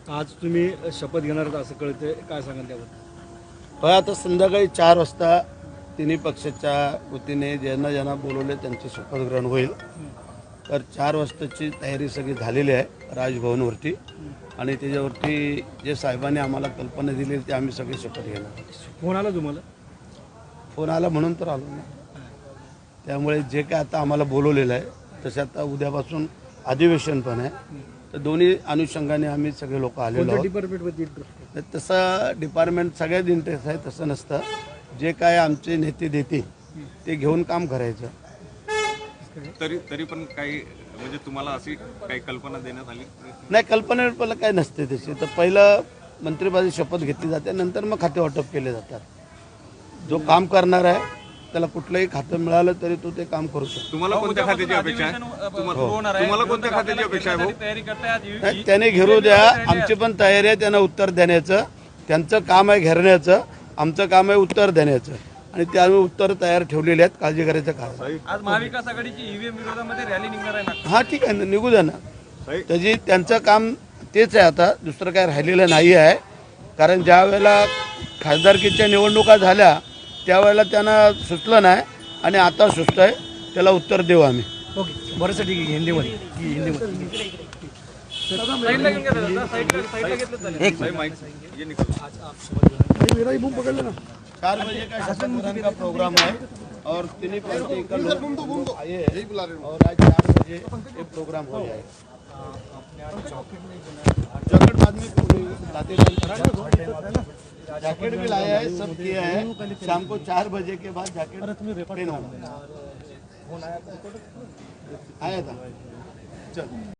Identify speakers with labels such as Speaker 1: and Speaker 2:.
Speaker 1: आज तुम्ही शपथ घेणार आहात असं कळतंय, काय सांगाल त्याबद्दल?
Speaker 2: पण आता संध्याकाळी 4 वाजता तिन्ही पक्षाच्या वतीने ज्यांना ज्यांना बोलवले त्यांचे शपथग्रहण होईल. तर 4 वाजताची तयारी सगळी झालेली आहे राजभवनवरती आणि त्याच्यावरती जे साहेबांनी आम्हाला कल्पना दिली ते आम्ही सगळे शपथ घेणार.
Speaker 1: फोन आला तुम्हाला?
Speaker 2: फोन आला म्हणून तर आलो ना. त्यामुळे जे काय आता आम्हाला बोलवलेलं आहे तसे आता उद्यापासून अधिवेशन पण आहे. तर दोन्ही अनुषंगाने आम्ही सगळे लोक आलेलो आहोत.
Speaker 1: डिपार्टमेंटमध्ये इंटरेस्ट?
Speaker 2: तसं डिपार्टमेंट सगळ्यात इंटरेस्ट आहे तसं नसतं. जे काय आमचे नेते देते ते घेऊन काम करायचं.
Speaker 3: तरी पण काही म्हणजे तुम्हाला अशी काही कल्पना देण्यात आली
Speaker 2: नाही, कल्पना काय नसते त्याची. तर पहिलं मंत्रिपदाची शपथ घेतली जाते, नंतर मग खाते वाटप केले जातात. जो काम करणार आहे त्याला कुठलंही खातं मिळालं तरी तो ते काम करू शकतो.
Speaker 3: तुम्हाला कोणत्या खात्याची अपेक्षा आहे? तुम्हाला कोणत्या खात्याची अपेक्षा आहे भाऊ?
Speaker 2: नाही, त्याने घेरू द्या. आमची पण तयारी आहे त्यांना उत्तर देण्याचं. त्यांचं काम आहे घेरण्याचं, आमचं काम आहे उत्तर देण्याचं आणि ते आम्ही उत्तर तयार ठेवलेले आहेत. काळजी करायचं काय.
Speaker 4: आज महाविकास आघाडीची ईव्हीएम विरोधामध्ये रॅली निघणार आहे ना?
Speaker 2: हां ठीक आहे ना, निघू द्या ना. त्याची त्यांचं काम तेच आहे. आता दुसरं काय राहिलेलं नाही आहे. कारण ज्या वेळेला खासदारकीच्या निवडणुका झाल्या त्यावेळेला त्यांना सुचलं नाही आणि आता सुचतं आहे. त्याला उत्तर देऊ आम्ही.
Speaker 1: ओके, बरंच ठीक आहे. हिंदीमध्ये
Speaker 4: साईडला घेऊन घ्या दादा, साईडला घेतलं चालेल.
Speaker 3: भाई माइक ये निकल.
Speaker 2: 4 बजे का शपथ का प्रोग्राम है और तीन पार्टी का लोग आए हैं और आज 4 बजे ये प्रोग्राम हो जाएगा. जैकेट बाद में लाते जैकेट भी लाया है, सब किया है. शाम को 4 बजे के बाद जैकेट ट्रेन होगा. आया था. चल.